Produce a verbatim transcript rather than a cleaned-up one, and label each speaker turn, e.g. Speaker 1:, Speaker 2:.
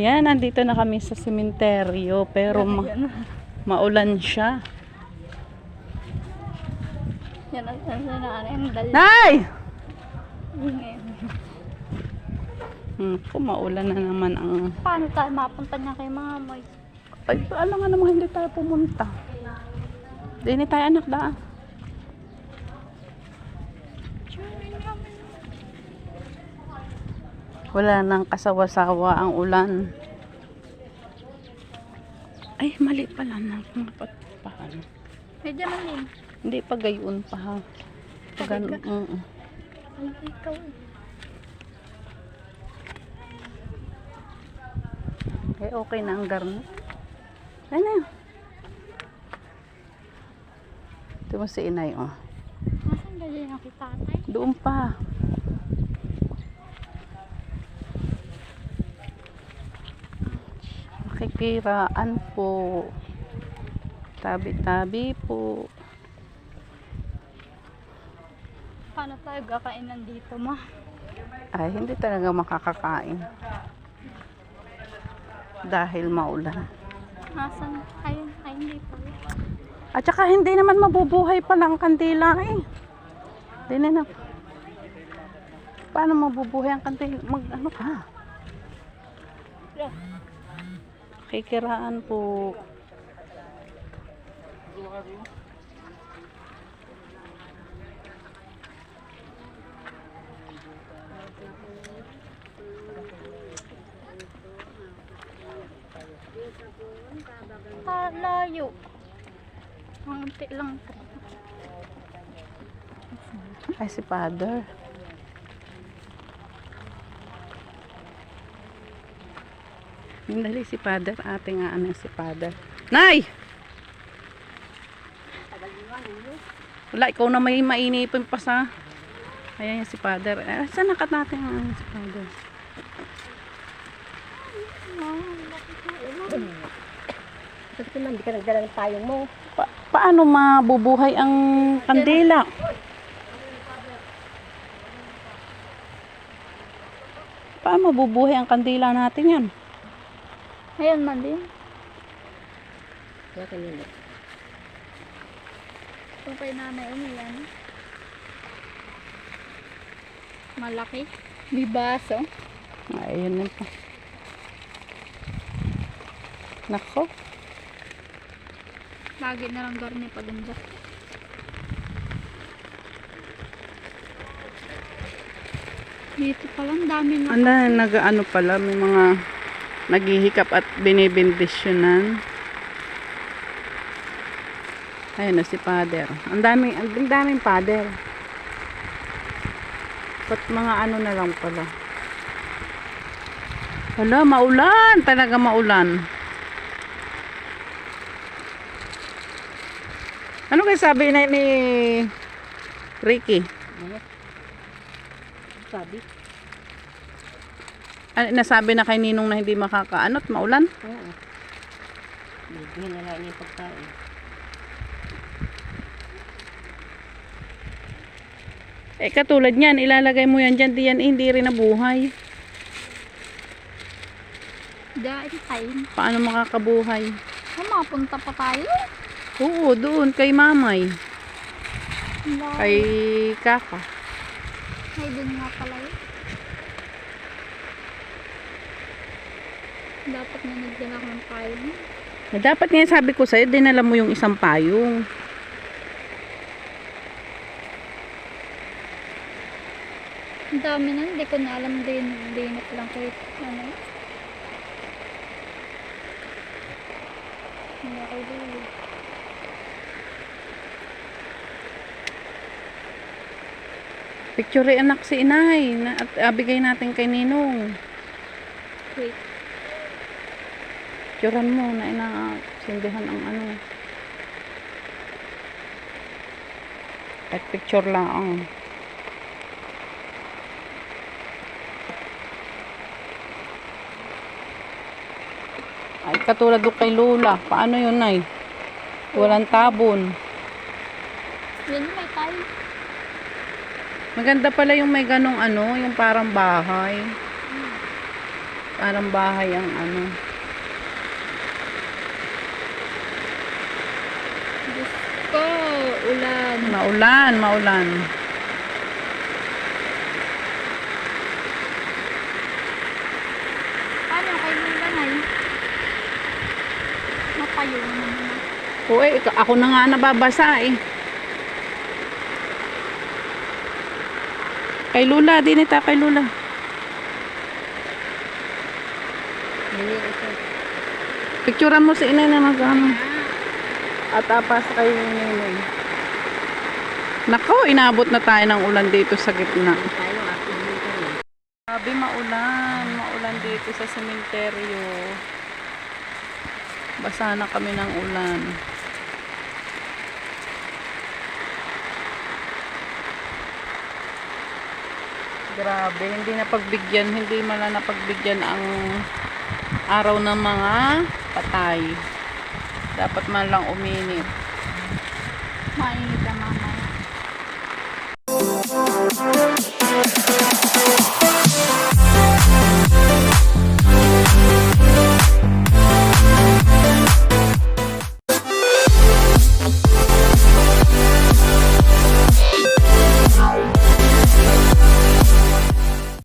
Speaker 1: Ayan, nandito na kami sa sementeryo pero ma maulan siya.
Speaker 2: Yan ang sanaan dal.
Speaker 1: Nay! Hmm, kung maulan na naman ang...
Speaker 2: Paano tayo mapunta niya kay mama?
Speaker 1: Ay, alam nga naman hindi tayo pumunta. Hindi tayo anak daan. Wala nang kasawa-sawa ang ulan. Ay, mali pala na. Paano?
Speaker 2: Medyo mali.
Speaker 1: Hindi pa gayon pa ha. Pag ano, uh,
Speaker 2: Ay, ikaw.
Speaker 1: eh, okay na ang garnet. Ay na yun. Ito mo si inay, oh.
Speaker 2: Nasaan ba din ako tatay?
Speaker 1: Doon pa. Makikiraan po. Tabi-tabi po.
Speaker 2: Paano tayo gakainan dito, ma?
Speaker 1: Ay, hindi talaga makakakain. Dahil maulan.
Speaker 2: Nasaan? Ayun, ay hindi pa.
Speaker 1: At saka hindi naman mabubuhay pala ang kandila eh. Hindi na na. Paano mabubuhay ang kandila? Mag ano ka? Kikiraan po.
Speaker 2: Ah, layo. Ang unti lang po.
Speaker 1: Ay, si Father. Dali si Father. Ate nga ano si Father. Nay! Wala, ikaw na may mainipin pa sa... Ayan yung si Father. Eh, saan nakat natin ang si Father?
Speaker 3: Bakit naman, hindi ka nagdala ng payong mo?
Speaker 1: Pa paano mabubuhay ang kandila? Paano mabubuhay ang kandila natin yan?
Speaker 2: Ayun man din.
Speaker 3: Wala kanina.
Speaker 2: Kung kay nanay umiyan. Malaki. May baso.
Speaker 1: Ayun na pa. Nako.
Speaker 2: Lagi na lang garni pa dun dyan. Dito pa lang dami na.
Speaker 1: Ano, nag-ano pala, may mga naghihikap at binibindisyonan. Ayun na si Father. Ang daming, ang daming Father. Pat mga ano na lang pala. Wala, maulan. Talaga maulan. Ano kayo sabi na ni Ricky?
Speaker 3: Sabi?
Speaker 1: Ano, nasabi na kay Ninong na hindi makakaanot, maulan?
Speaker 3: Oo. Hindi na lang yung pagkain.
Speaker 1: Eh katulad niyan, ilalagay mo yan dyan, diyan, eh, hindi rin nabuhay.
Speaker 2: Dahil time.
Speaker 1: Paano makakabuhay?
Speaker 2: Oh, mapunta pa tayo.
Speaker 1: Oo, doon, kay Mamay.
Speaker 2: Layo.
Speaker 1: Kay Kaka.
Speaker 2: Ay, dun nga pala yun. Dapat na nagdala ko ng payong.
Speaker 1: Eh, dapat nga sabi ko sa'yo, dinala mo yung isang payong.
Speaker 2: Ang dami na, hindi ko na alam din. Dinit lang ko ito. Ano? Hindi ako dulo.
Speaker 1: Picture anak si Inay. Na, at uh, bigay natin kay Ninong.
Speaker 2: Wait.
Speaker 1: Picturean mo na inasindihan ang ano. At picture lang ang. Ay, katulad doon kay Lola. Paano yun, Nay? Walang tabon.
Speaker 2: Yan may tayo.
Speaker 1: Maganda pala yung may ganong ano, yung parang bahay. Parang bahay ang ano.
Speaker 2: Diyos ko, ulan.
Speaker 1: Maulan, maulan.
Speaker 2: Paano kay Lula na yun? Mapayo naman na.
Speaker 1: Oo, eh, ako na nga nababasa eh. Kay Lula, dinita kay Lula.
Speaker 3: Hindi ito.
Speaker 1: Picturean mo si inay na nag-ano. At apas kay Ninoy. Nako, inabot na tayo ng ulan dito sa gitna.
Speaker 3: Tayo, ako dito rin.
Speaker 1: Grabe, maulan. Maulan dito sa sementeryo. Basa na kami ng ulan. Grabe, hindi napagbigyan, hindi mala napagbigyan ang araw ng mga patay. Dapat man lang uminit.
Speaker 2: Mainit